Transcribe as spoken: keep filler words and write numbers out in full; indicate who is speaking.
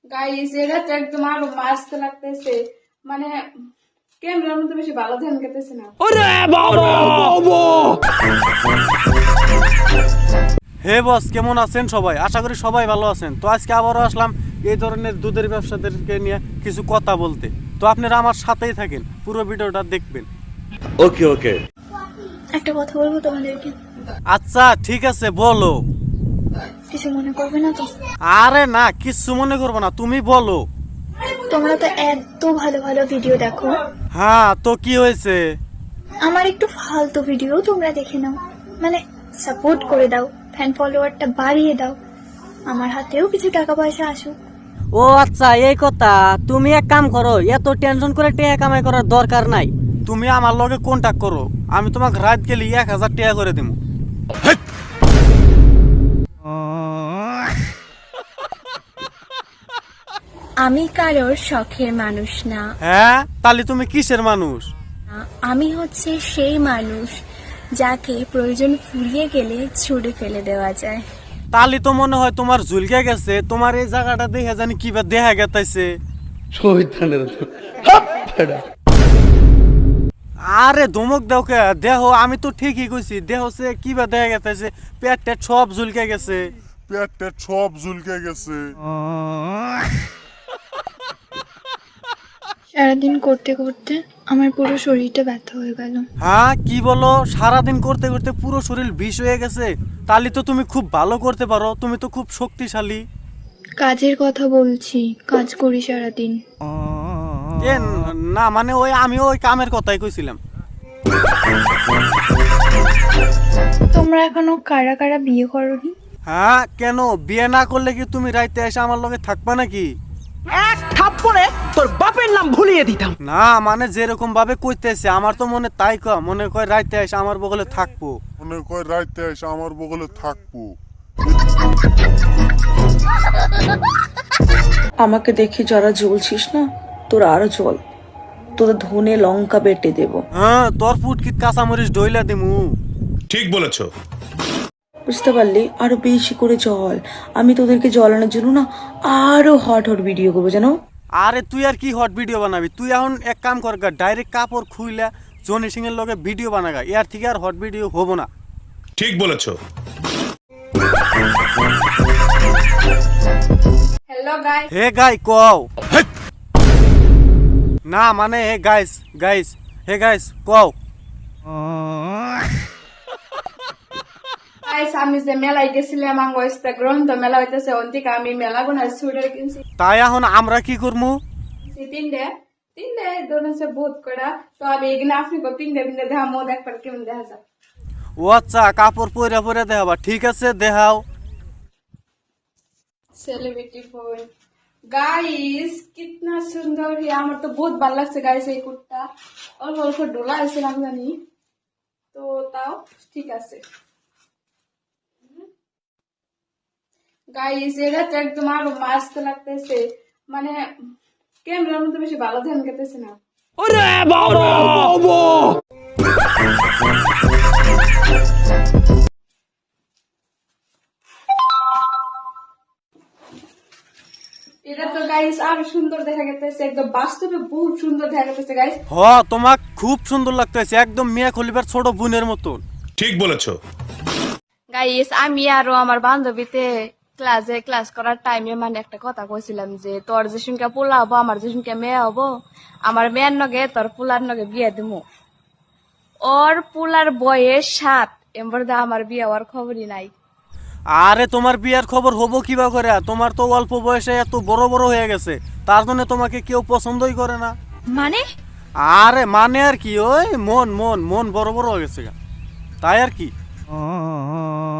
Speaker 1: Guys এটা তো একদম আরো মাস্ত লাগতেছে, মানে ক্যামেরার মধ্যে বেশি ভালো ধ্যান করতেছে না।
Speaker 2: হে বস, কেমন আছেন সবাই? আশা করি সবাই ভালো আছেন। তো আজকে আবারও আসলাম এই ধরনের দুধের ব্যবসাদেরকে নিয়ে কিছু কথা বলতে। তো আপনারা আমার সাথেই থাকেন, পুরো ভিডিওটা দেখবেন।
Speaker 3: ওকে ওকে
Speaker 4: একটা কথা বলবো তোমাদেরকে,
Speaker 2: আচ্ছা ঠিক আছে, বলো।
Speaker 4: কিছু মনে করবে না তো?
Speaker 2: আরে না, কিচ্ছু মনে করবো না, তুমি বলো।
Speaker 4: তোমরা তো এত ভালো ভালো ভিডিও দেখো,
Speaker 2: হ্যাঁ, তো কি হয়েছে?
Speaker 4: আমার একটু ফালতু ভিডিও তোমরা দেখে নাও, মানে সাপোর্ট করে দাও, ফ্যান ফলোয়ারটা বাড়িয়ে দাও, আমার হাতেও কিছু টাকা পয়সা আসুক।
Speaker 5: ও আচ্ছা, এই কথা। তুমি এক কাম করো, এত টেনশন করে টাকা কামাই করার দরকার নাই।
Speaker 2: তুমি আমার লগে কন্ট্যাক্ট করো, আমি তোমাকে রাত গেলে এক হাজার টাকা করে দেবো।
Speaker 4: আমি কারোর শখের মানুষ না,
Speaker 2: হ্যাঁ, তাহলে তুমি কিসের মানুষ?
Speaker 4: আমি হচ্ছে সেই মানুষ যাকে প্রয়োজন ফুরিয়ে গেলে ছুড়ে ফেলে দেওয়া যায়।
Speaker 2: তাহলে তো মনে হয় তোমার ঝুলকে গেছে, তোমার এই জায়গাটা দেখে জানি কিবা দেখা গেতাইছে। আরে ধমক দাও কে? দেহ, আমি তো ঠিকই কইছি, দেহ সে কিবা দেখা গেতাইছে, পেট টেট সব ঝুলকে গেছে।
Speaker 6: পেট টেট সব ঝুলকে গেছে।
Speaker 4: সারাদিন করতে করতে আমার পুরো শরীরটা ব্যথা হয়ে গেল।
Speaker 2: হ্যাঁ, কি বলো? সারাদিন করতে করতে পুরো শরীর বিষ হয়ে গেছে? তাহলে তো তুমি খুব ভালো করতে পারো, তুমি তো খুব শক্তিশালী।
Speaker 4: কাজের কথা বলছি, কাজ করি সারাদিন।
Speaker 2: এ না, মানে ওই আমিও ওই কামের কথাই কইছিলাম।
Speaker 4: তোমরা এখনো কারা কারা বিয়ে করোনি?
Speaker 2: হ্যাঁ, কেন বিয়ে না করলে কি তুমি রাইতে এসে আমার লগে থাকবা নাকি?
Speaker 7: এক থাপ্পড়ে তোর বাপের নাম ভুলিয়ে দিতাম।
Speaker 2: না, মানে যেরকম ভাবে কইতেছে আমার তো মনে তাই ক মনে কয় রাইতে এসে আমার বগলে থাকবো।
Speaker 6: মনে কয় রাইতে এসে আমার বগলে থাকবো।
Speaker 8: আমাকে দেখে যারা জ্বলছিস না, তোরা আরো জ্বল, তোদের ধনে লঙ্কা বেটে দেব।
Speaker 2: হ্যাঁ, তোর ফুটকিত কাঁচামরিচ ডইলা দিমু।
Speaker 3: ঠিক বলেছো।
Speaker 8: বুঝতে পারলি? আরো বেশি করে জল। আমি তোদেরকে জ্বলানোর জন্য না আরো হট হট ভিডিও করবো, জানো?
Speaker 2: আরে তুই আর কি হট ভিডিও বানাবি? তুই এখন এক কাম কর, ডাইরেক্ট কাপড় খুইলা জনি সিং এর লগে ভিডিও বানাগা, এর থেকে আর হট ভিডিও হবো না।
Speaker 3: ঠিক বলেছো।
Speaker 1: হ্যালো গাইস,
Speaker 2: হে গাই কও। না মানে hey guys, guys, hey guys কও।
Speaker 1: গাইস আমি যে মেলায় গেছিলাম, আমার ইস্তা গ্রন্থ মেলা হইতেছে, অন্তিকা আমি মেলা গোনা সুইটার কিনছি
Speaker 2: তাই এখন আমরা কি করবো?
Speaker 1: তিনটে তিনটে ধরুন সে বহুত করা। তো আমি এগুলো আপনি তিনটে তিনটে দেখা মো দেখবার কেমন দেখা যায়।
Speaker 2: ও আচ্ছা, কাপড় পরে পরে দেখাবা, ঠিক আছে দেখাও।
Speaker 1: सेलिब्रिटी फोन गाइस कितना सुंदर है, আমার তো বহুত ভালো লাগছে গাইস এই কুর্তা। অল্প অল্প ডোলা আছে না জানি, তো তাও ঠিক আছে গাইস। এটা তো একদম আরো মাস্ত লাগতেছে, মানে ক্যামেরার মধ্যে বেশি ভালো ধ্যান করতেছে না। এটা তো গাইস আরো সুন্দর দেখা গেছে, একদম বাস্তবে বহুত সুন্দর দেখা গেছে গাইস।
Speaker 2: হ, তোমাক খুব সুন্দর লাগতেছে, একদম মিয়া খলিফার ছোট বোনের মতন।
Speaker 3: ঠিক বলেছো।
Speaker 1: গাইস আমি আরো আমার বান্ধবীতে ক্লাসে ক্লাস করার টাইমে মানে একটা কথা কইছিলাম যে তোর যে সংখ্যা পোলা হবো, আমার যে সংখ্যা মেয়ে হবো, আমার মেয়ের নগে তোর পোলার নগে বিয়ে দিমু। ওর পোলার বয়স সাত, এমবার দা আমার বিয়ে হওয়ার খবরই নাই।
Speaker 2: আরে তোমার বিয়ার খবর হবো কিবা করে? তোমার তো অল্প বয়সে এত বড় বড় হয়ে গেছে, তার জন্য তোমাকে কেউ পছন্দই করে না।
Speaker 4: মানে
Speaker 2: আরে মানে আর কি, ওই মন মন মন বড় বড় হয়ে গেছে, তাই আর কি।